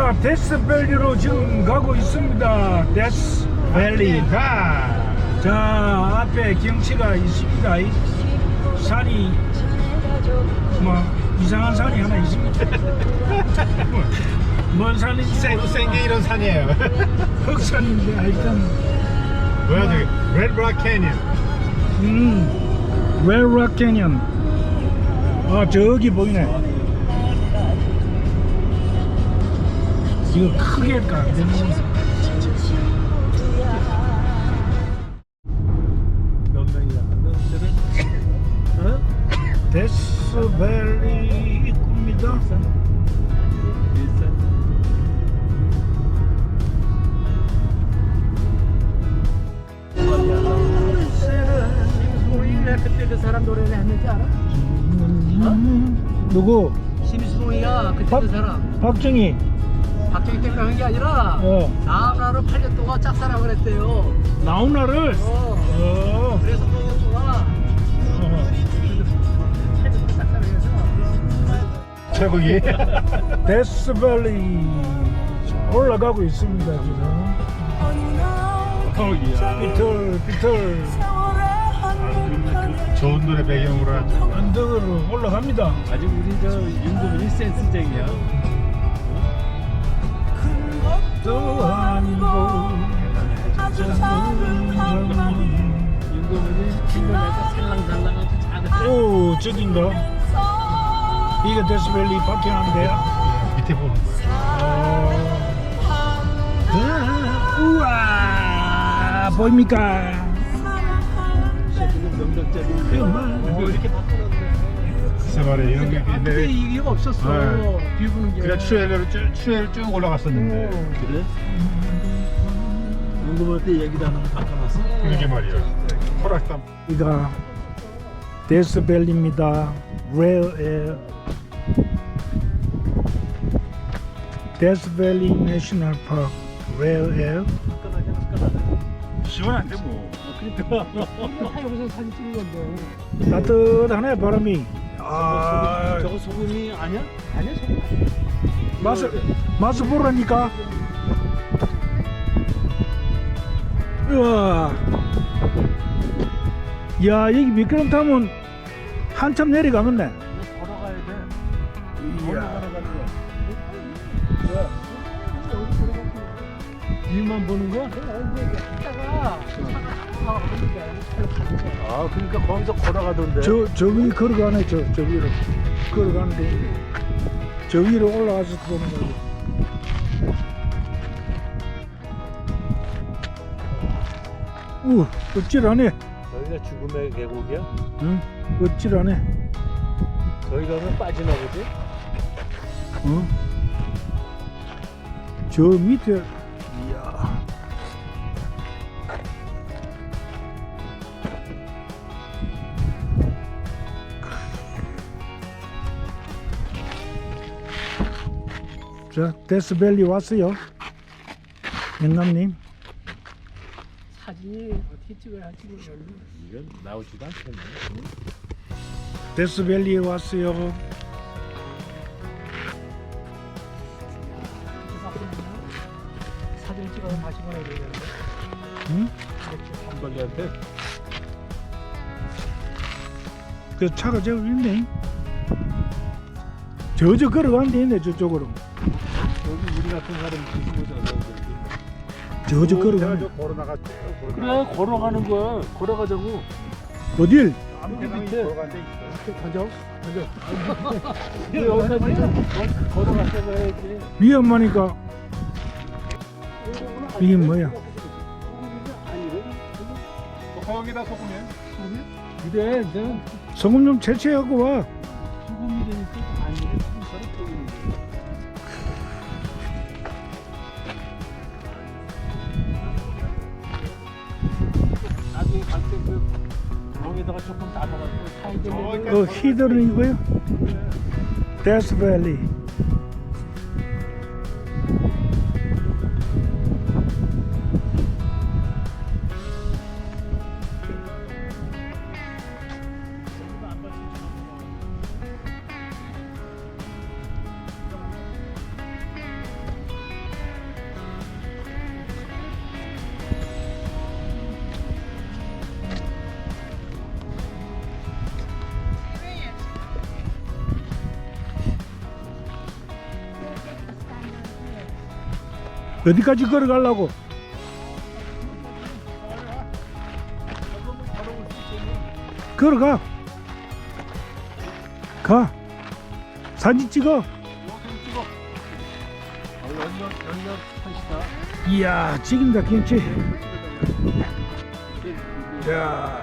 자, 데스밸리로 지금 가고 있습니다. 데스밸리가. 자, 앞에 경치가 있습니다. 이 산이 뭐 이상한 산이 하나 있습니다. 뭔 산인지 생게 이런 산이에요. 흑산인데 하여튼 뭐야 저기 레드락 캐니언. 웰락 캐니언. 아, 저기 보이네. 이거 크게 까. 몇 명이야? 데스밸리 입구입니다. 우리가 그때 그 사람 노래를 했는지 알아? 누구? 심수봉이가 그때 그 사람 박정희. 박정희 때문에 한 게 아니라 나훈아로 8년 동안 짝사랑을 했대요. 나훈아를. 그래서 8년 동안 8년 동안 짝사랑해서 최고기. 데스밸리 올라가고 있습니다 지금. 비틀 좋은 노래 배경으로 하죠. 언덕으로 올라갑니다. 아직 우리 저 윤도민이 센스쟁이야. 또 아니고 윤도민이 신경내서 살랑살랑하고 잘해. 오, 저긴가? 이게 데스밸리 파킹하는데요. 밑에 보는 거야. 우와, 보입니까? 지금 명덕자리인데 이렇게 바꿔놨네. 글쎄 말이야 이런 게 그때 있는데 이게 없었어. 비 부는 게. 그래 추엘로 쭉 올라갔었는데 그래? 윤도민 때 얘기도 안 하고 바꿔놨어? 그러게 말이야. 호락담. 이가 데스밸리입니다. 레일 데스밸리 내셔널 파크 레일. 시원한데 뭐. 여기서 사진 찍은 건데. 따뜻하네 바람이. 아, 저거 소금이 아니야? 아니야 소금 아니야. 맛을 보라니까. 우와. 야, 여기 미끄럼 타면 한참 내려가겠네. 걸어가야 돼. 이야. 위만 보는 거야? 아, 그러니까 거기서 걸어가던데. 저 위 걸어가네. 저 위로 걸어가는데 저 위로 올라가서 보는 거지. 어찌라네. 저기가 죽음의 계곡이야? 응? 어찌라네. 저기 가면 빠지나 보지? 어? 저 밑에. 이야. 자, 데스밸리 왔어요. 영감님. 사진이 어떻게 찍어야 할지 모르겠네. 이건 나오지도 않겠네. 데스밸리에 왔어요. 사진 찍어서 다시 보내야 되겠는데. 응? 한벌리한테 그 차가 저기 있네. 저 걸어가는 데 있네. 저쪽으로. 여기 우리 같은 사람 뒤집어져. 저 걸어가네. 걸어 나가. 그래, 걸어가는 거야. 걸어가자고. 어딜? 여기 밑에 걸어간 데 있어. 가자. 여기까지 좀 걸어가서 가야지. 위험하니까. 이게 뭐야? 거기다 소금이야. 그래, 넌 소금 좀 채취하고 와. 소금이 되니까 아니래. 나중에 갈때그 거기다가 조금 담아가지고 사이드 히드는 이거요? 데스밸리. 어디까지 걸어가려고? 걸어가. 가. 사진 찍어. 연락 하시다. 이야, 찍인다 경치. 야.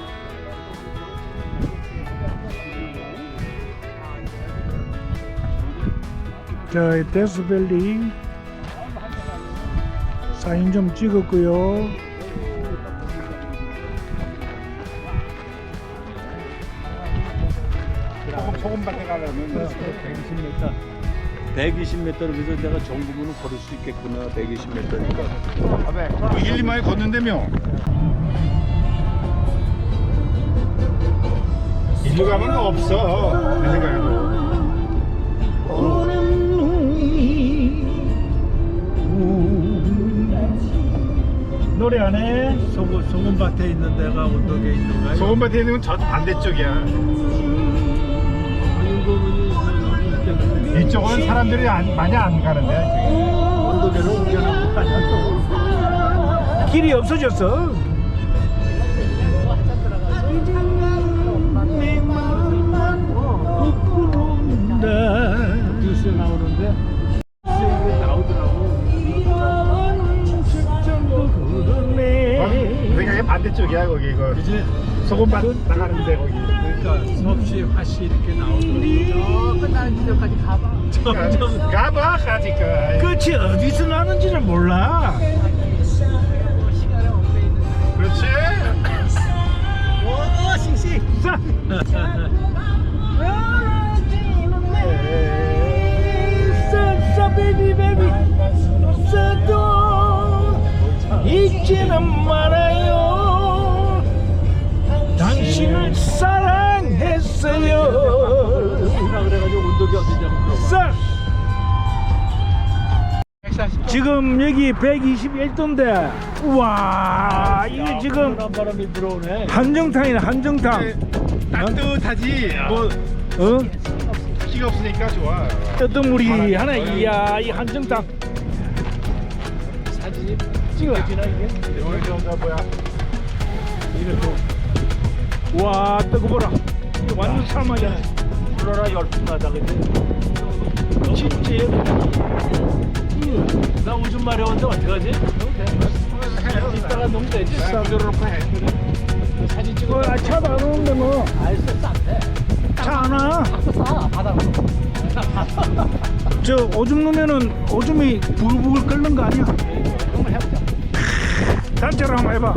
자, 이 데스밸리 사진 좀 찍었고요. 소금밭에 가려면 120m 그래서 내가 정부문을 걸을 수 있겠구나. 120m니까. 1, 2마일 걷는다며. 일로 가면 없어. 내 생각에도. 노래 안 해? 소금밭에 있는 데가 언덕에 있는 거야. 소금밭에 있는 건 저 반대쪽이야. 이쪽은 사람들이 많이 안 가는데. 언덕에로 옮겨놓고 가냐 또. 길이 없어졌어. 뉴스에 나오는데 뉴스에 나오더라고. 내 생각에 반대쪽이야 거기 이거. 그지? 소금밭 나가는데 거기. 그러니까 섭씨 화씨 이렇게 나오더라고. 끝나는 지점까지 가봐. 점점 가봐 가지까. 끝이 어디서 나는지는 몰라. 시간에 엉켜 있는. 그렇지. 오, 싱싱. 베이비 베이비 써도 잊지는 말아요. 당신을 사랑했어요. 그래가지고 언덕이 어디냐고 물어봐. 지금 여기 121도인데 우와 이게 지금 바람이 들어오네. 한정탕이네 한정탕. 따뜻하지. 뭐 어? 키가 없으니까 좋아. 뜨뜻물이 하나. 이야 이 한정탕 사진이 찍어. 찍어지나 이게? 여기 저거 뭐야? 이것도 와 뜨거워라. 이거 완전 삶아잖아. 불어라 열풍나다 그지? 진짜 나 오줌 마려운데 어떡하지? 이따가 놓으면 되지? 싸들어놓고 해. 사진 찍어. 차도 안 오는데 뭐. 알수 싼데. 차 하나. 싸 바다로. 저 오줌 넣으면은 오줌이 부글부글 끓는 거 아니야? 한번 해보자. 단체로 한번 해봐.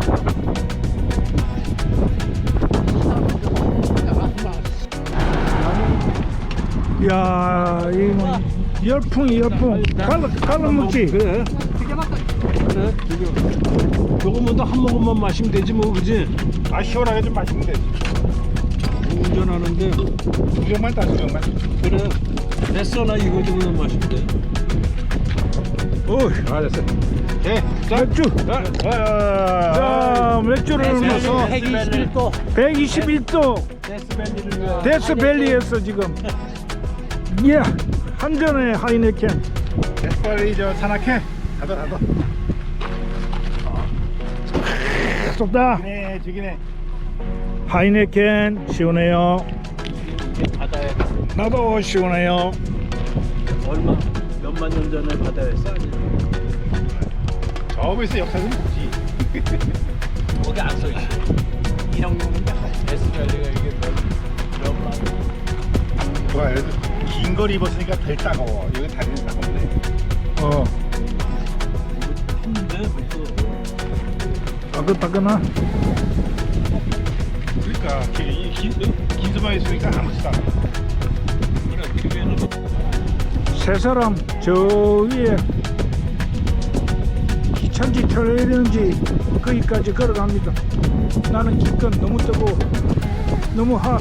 야 이거 열풍이 열풍. 갈라 먹지. 그래. 되게 막 그래. 지금 조금만 더 한 모금만 마시면 되지 뭐 그지? 아 시원하게 좀 마시면 되지. 운전하는데 두 병만 따, 두 병만. 그래. 됐어 나 이거 정도만 마시면 돼. 어이 아 됐어. 예. 자, 맥주. 자 맥주를 넣어서 121도. 121도 데스밸리를 위해. 데스밸리에서 지금 예 한 잔에 하이네켄. 빨리 저 산악회. 가둬. 쏟다. 죽이네, 죽이네. 하이네켄 시원해요. 바다에 나도 시원해요. 얼마 몇만 년 전에 바다에 싸니? 저기서 역사 좀 보지. 거기 안 써 있어. 1학년인데 데스밸리가 이게 몇만 좋아, 그래도 긴 거리 입었으니까 덜 따가워. 여기 다리는 따가운데. 어 했는데 벌써. 따끈따끈하. 그러니까 긴 수만 있으니까 아무것도 안. 세 사람 저 위에 기차인지 트레일인지 거기까지 걸어갑니다. 나는 기껏 너무 뜨고 너무 핫.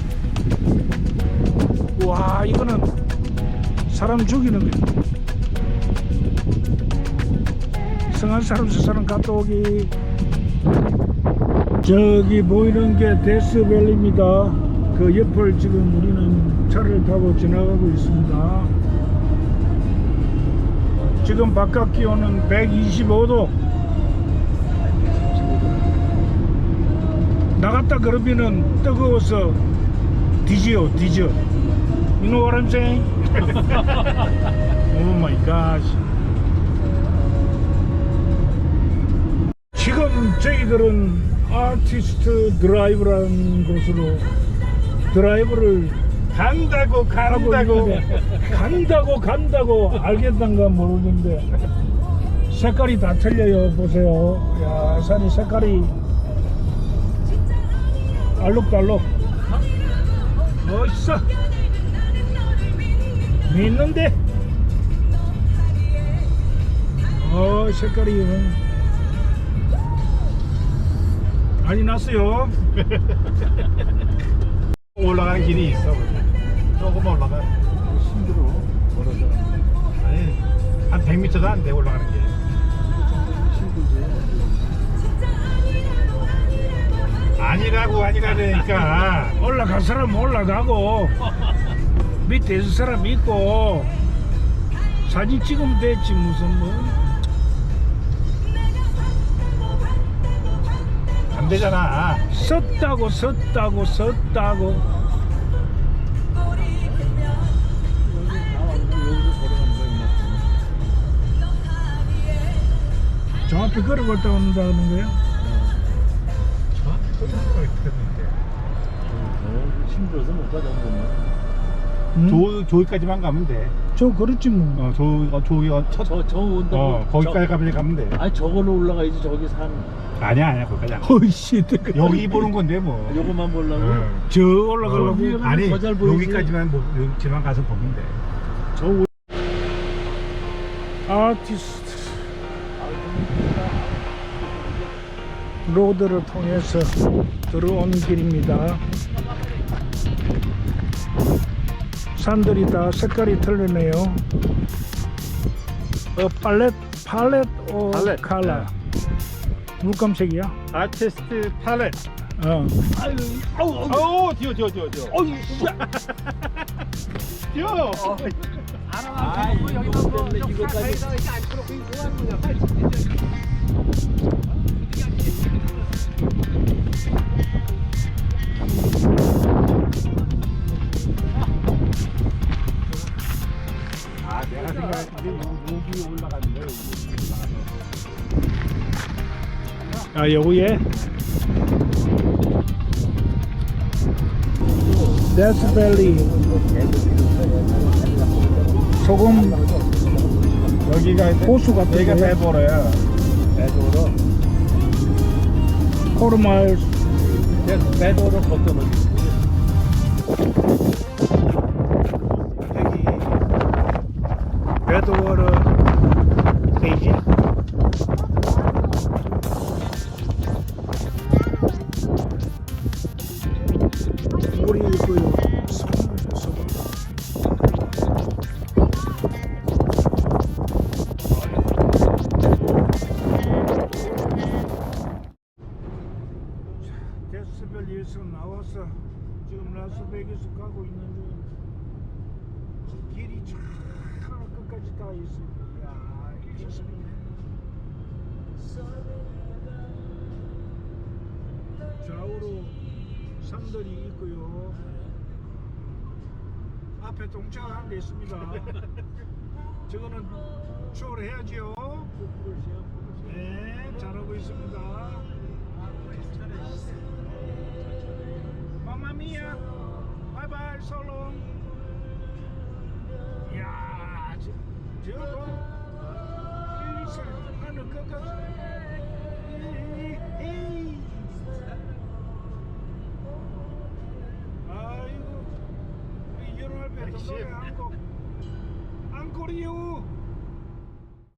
와 이거는 사람 죽이는 거야. 이상한 사람 저 사람 갔다 오기. 저기 보이는 게 데스밸리입니다. 그 옆을 지금 우리는 차를 타고 지나가고 있습니다. 지금 바깥 기온은 125도. 나갔다 그러면은 뜨거워서 뒤져. You know what I'm saying? Oh my gosh. 지금 저희들은 아티스트 드라이브라는 곳으로 드라이브를 간다고 간다고 알겠단가 모르는데 색깔이 다 틀려요. 보세요. 야, 산이 색깔이 알록달록. 멋있어. 믿는데. 색깔이 많이 났어요. 올라가는 길이 있어. 조금 올라가. 힘들어. 걸어서. 아니 한 100m도 안 돼 올라가는 게. 아니라니까. 올라갈 사람 올라가고 밑에 있을 사람 있고 사진 찍으면 됐지 무슨 뭐. 안 되잖아. 섰다고 저 앞에 걸어갔다 온다는 거예요? 힘들어서 못 가자. 조기까지만 가면 돼. 저 그렇지 뭐. 조기가 첫. 저 온다고. 거기까지 가면 돼. 아니 저거는 올라가야지. 저기 산. 아니야 거기까지 안 가. 어이씨 여기 보는 건데 뭐. 요거만 보려고. 저 올라가려고. 아니 더 잘 보이지. 여기까지만 가서 보면 돼. 저 아티스트 로드를 통해서 들어온 길입니다. 산들이 다 색깔이 틀리네요. 팔렛 오 팔렛. 컬러. 물감색이야? 아티스트 팔렛. 어. 뛰어. 어이, 뛰어. 아, 여기만 뭐 이거까지 이제 안 풀었고 이거 하는 거냐? 내가 생각했는데 여기 올라가는 거야. 여기에 데스밸리 소금 여기가 호수 같은 여기가 거야. 배도로야. 배도로. 포르마일스 배도로 걷어놓은. 여기 배드워터 페이지. 물이 있고요. 소금. 데스밸리에서 나와서 지금 라스베이거스 가고 있는데 길이 쫙 끝까지 다 있습니다. 야, 좋습니다. 좌우로 산들이 있고요. 앞에 동차가 한 대 있습니다. 저거는 추월해야지요. 네, 잘하고 있습니다. 마마미야, 바이바이, 솔롱. 이야, 저거 일리스 하늘 끝까지. 아이고, 우리 연월배 노래 한곡 앙코리오.